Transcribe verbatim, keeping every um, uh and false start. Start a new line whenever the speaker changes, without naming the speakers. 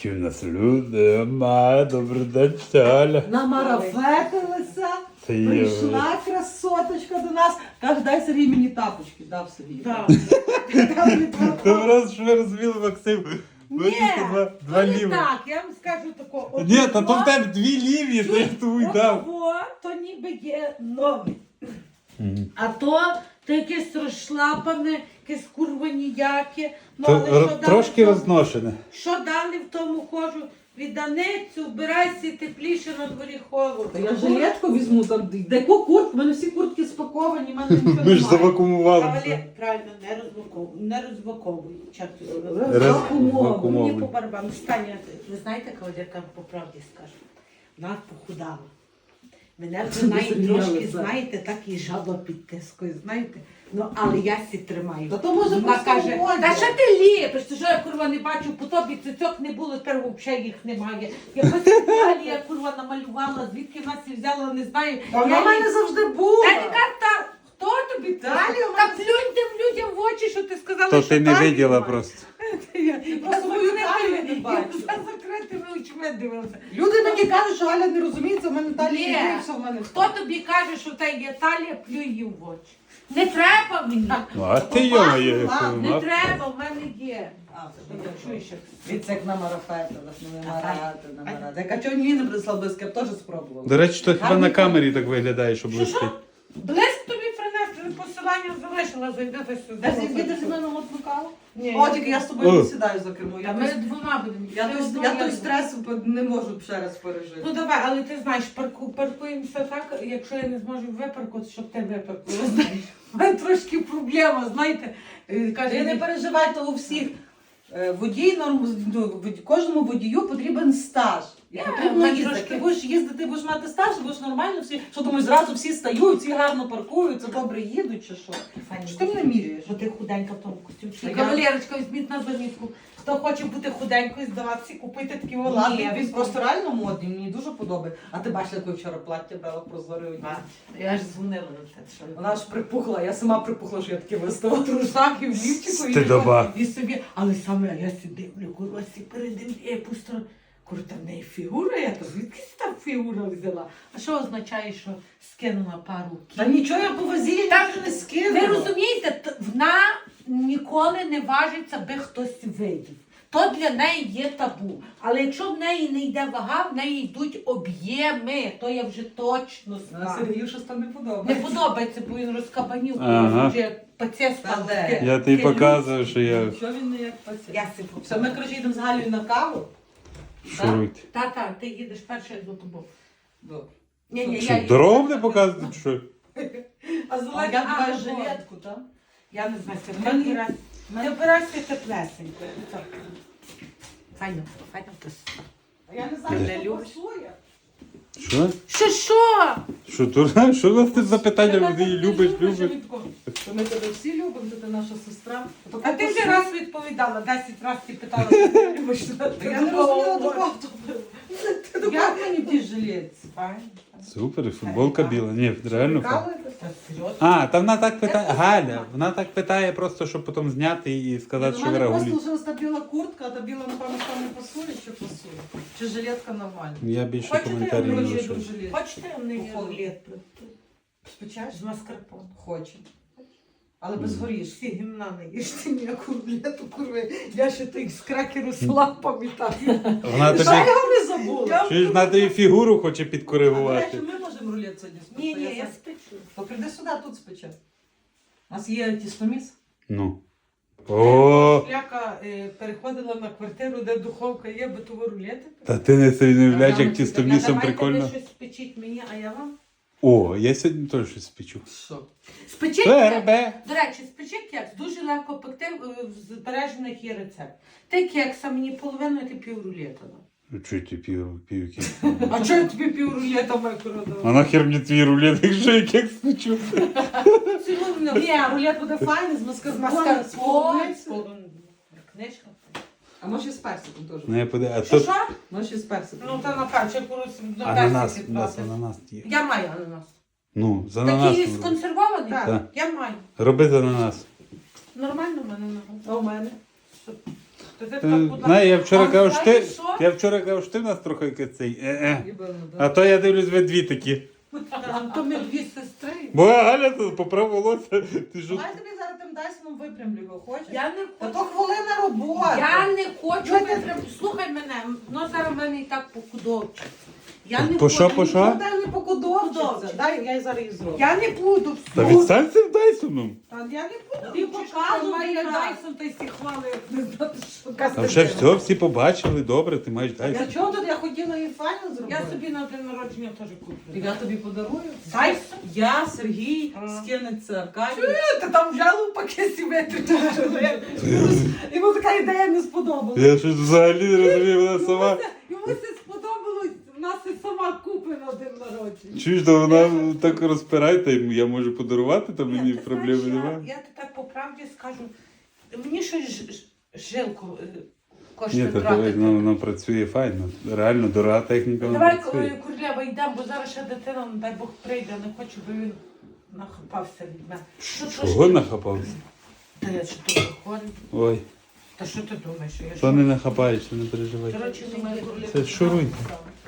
Які в нас люди, ма, добрий день, Таля.
Намарафетилася,
Це є,
прийшла красоточка до нас. Каже, дай Сергій мені тапочки. Дав Сергій.
Так.
Дав мені тапочки.
Ти раз, що ви розуміли, Максим? Мені
Ні,
то два, два
то не
ліві.
так, я вам скажу тако.
Ні, та то в тебе дві ліві, то я твій дав.
Отого, то ніби є новий.
Мгм.
А то, то якесь розшлапане, якесь курва ніяке. Ну,
То
але
р-
що дали
трошки
в тому-
розношене.
Що дали в тому хожу? Відданицю, вбирайся тепліше на дворі холодно.
Та я жилетку візьму, там деяку куртку, в мене всі куртки спаковані, в мене нічого
Ми ж
немає.
завакумували.
Кавалер, правильно, не розбаковуй, не розбаковуй. Чатку.
Роз-
Мені
Мовлю.
по барабану. Станя, ви знаєте, кавалерка, по правді скажу, вона похудала. Мене вже навіть
Зрозуміло,
трошки,
так.
знаєте, так і жаба під тискою, знаєте. Ну, але я сі тримаю.
Та то може
Вона
просто
каже,
моді.
та що ти ліпиш? Ти що я, курва, не бачу, по тобі цицьок не було, тепер взагалі їх немає. Якось далі я, курва, намалювала, звідки вона ці взяла, не знаю.
Та вона в мене завжди була.
Та яка та, хто тобі це?
Далі у
Та
мене-
плюнь тим людям в очі, що ти сказала,
То
що
ти не
талії
виділа
немає.
просто.
Я
просто мою талію не бачу.
Я закритими очима дивилася.
Люди мені кажуть, що Галя не розуміється, в мене талія
Ні.
не все в мене.
Хто тобі каже, що в тебе є талія, плюй її в очі. Не треба мені.
Ну, а ти його є.
ладно,
Не треба, в мене є.
А,
Що я чую, що
Від як намарафетилась, ну намарати, намарати. Яка чого ні не прислав близько, я б теж спробувала.
До речі, то хіба
Гарний
на камері так виглядає, що
Що,
блистить.
що? Блиск тобі принести, посилання залишила, зайдете сюди.
Десь відвідати з мене от каву?
Ні.
О, тільки я з тобою
О.
не сідаю за кермо.
Та
Я
ми
той-
двома будемо.
Я
Ти
той-
одну,
я той
другу.
стрес не можу ще раз пережити.
Ну давай, але ти знаєш, парку, паркуємося так, якщо я не зможу випаркувати, щоб ти випаркувала, знаєш. У мене трошки проблема, знаєте. Е, Каже,
Ти не переживай, то у всіх е, водій, норм, ну, вод- кожному водію потрібен стаж. І
Я,
потрібно
ми
їздити.
трошки-
Ти будеш їздити, будеш мати стаж, будеш нормально всі. Що думаєш, зразу всі стають, всі гарно паркуються, добре їдуть чи що?
Файно.
Що ти мене міряєш?
Бо ти худенька в тому костюмчику.
Та я-
Кавалерочка, візьміть на замітку. Хто хоче бути худенькою, здаватися, купити такі олади.
Ні, він просто реально модний, мені дуже подобається. А ти бачила, яке вчора плаття брала прозоре одні?
Я ж дзвонила на це. Що...
Вона ж припухла, я сама припухла, що я таке виставила.
Трусак і в лівчику, і,
Стидоба.
і собі. Але саме я сі дивлю, курва, сі передивлю, я пусто. Курва, там в неї фігура, я то звідки там фігура взяла? А що означає, що скинула пару
Та
кіл?
нічого я по вазі
Та
не скинула.
Ви розумієте, т- вона ніколи не важиться, би хтось видів. То для неї є табу. Але якщо в неї не йде вага, в неї йдуть об'єми. То я вже точно
А
знаю.
Сергію щось там не
Не
подобається.
подобається, бо він розкабанів,
Ага.
вже пацієнт
Та
став.
де?
Я тобі показую, що я
Що він не як пацієнт?
Я сипу.
Все, ми, коротше, їдемо з Галею на каву.
шуруйте.
Та-та, ти їдеш перший за тобою.
Добре.
Ні, ні,
Що,
я
дорогу не показують, чи що?
А
А
зелена
я бачу
жилет.
жилетку, так?
Я не знаю, це
Мені-
не обирайся. Не обирайся теплесенько. Файно, файно то.
Я не знаю,
Де?
що пасує.
Що?
Що, що?
Що, дура? Що у нас тут за питання?
Тебе
Ти її
не
любиш,
любиш,
любиш?
а від кого? То ми тебе всі любимо, то ти наша сестра. То
А ти вже
пасує.
раз відповідала, десять разів ти питала, що ти любиш.
Та я не розуміла, до кого то було. Як мені в тій жилетці?
Файно.
Супер, і футболка біла. Ні, реально фа.
Прикалуєтесь?
Та серйозно?
А, та вона так питає. Галя, вона так питає просто, щоб потім зняти і сказати,
У
що ви
мене просто
регулі.
лишилась та біла куртка, а та біла, напевно, що не пасує, чи пасує? Чи жилетка нормальна?
Я більше
Хочете,
коментарів не
я
Коротше,
лишу.
йду в жилетці.
Хочете мені
Походу.
рулет?
Спечеш?
З маскарпоне.
Хоче. Але без горішки.
Всі гімна не їжте ніяку рулету, курви. Я ще тих з кракеру села пам'ятаю.
Вона
Що
тобі,
я його не забула?
чуєш, вона тобі фігуру хоче
А, до
підкоригувати.
речі, ми можемо рулет сьогодні спекти.
Ні, ні, я
знаю.
спечу.
То прийди сюди, тут спече. У нас є тістоміс.
Ну. О,
Шляка е, переходила на квартиру, де духовка є, битові рулети.
та ти не собі не уявляєш, як
Та
тістомісом
Давайте
прикольно.
ви щось спечіть мені, а я вам.
О, я сьогодні теж щось спечу.
Що?
Спечіть кекс.
Бербе.
До речі, спечіть кекс. Дуже легко пекти, е, в збережених є рецепт. Ти кекса мені половину, а ти пів рулета.
Ну, чого ти пів, пів кекс?
А чого я тобі пів рулета маю продавати?
А нахер мені твій рулет, якщо я кекс спечу?
Ні, рулет буде файний, з маскарпоне, з
Маскарпоне,
полуниці.
книжка.
А може і з персиком теж.
Ну, я поди... А
Що,
тут
що?
Може і з персиком.
Ну, та на перчик, на
ананас,
персик
у нас
відправити.
ананас є.
Я маю ананас.
Ну, з
Такий
ананасом. роби.
сконсервований?
Так.
Так.
Я маю.
Роби з ананас.
Нормально в мене ананас.
А у мене?
То Скажи,
Е,
так, будь ласка.
Знає, я вчора
А
казав, що ти,
знаєш що?
я вчора казав, що ти в нас трохи кацей. Е-е.
Ібано,
А
да.
то я дивлюсь, ви дві такі.
Там то ми дві сестри.
Бо Галя тут поправ волосся. Ти що?
Давай тобі зараз тим Дайсоном випрямлю його, хочеш?
Я не
Та
хочу.
то хвилина роботи.
Я не хочу
Я
витреб... Слухай мене, ну зараз в мене і так похудовчиться. Я не
По що,
хочу.
по що?
Дай не покудовчиться.
Подовжиться.
Дай, я зараз їх зроблю.
Я не буду.
Та відстань цим Дайсоном.
Та я не буду.
Ти показуй
має
мені
Дайсон, та й всі хвали, як не знати, що.
Там вже все, всі побачили, добре, ти маєш
Я
Дайсон.
чого тут? Я хотіла її файно зробити.
Я собі на день народження теж куплю.
Я тобі подарую.
Дайсон?
Я, Сергій,
А.
скинеться Аркадій. Ти там взяли в пакеті витрачиш. Йому така ідея не сподобалася.
Я щось взагалі не розумію, вона сама.
Йому це сподобалось, в нас і сама купить на день народження.
Чуєш, то вона так розпирає, та я можу подарувати, то мені
Ні, ти
проблеми
знаєш,
немає.
Я, я ти так по правді скажу, мені щось ж- ж- жилку е,
Ні,
коштує
та
тратити.
дивись, воно, воно працює файно. Реально дорога техніка, вона
Давай,
працює.
е, Курлєва, йдемо, бо зараз ще дитина, не дай Бог, прийде, не хочу, бо він нахапався від мене. Що,
Чого нахапався?
Та я що тут виходить?
Ой,
Та що ти думаєш? що Я
то
що?
не нахапаєшся, не переживай.
Коротше, думаю, Курлєва.
Це шуруй.
Так.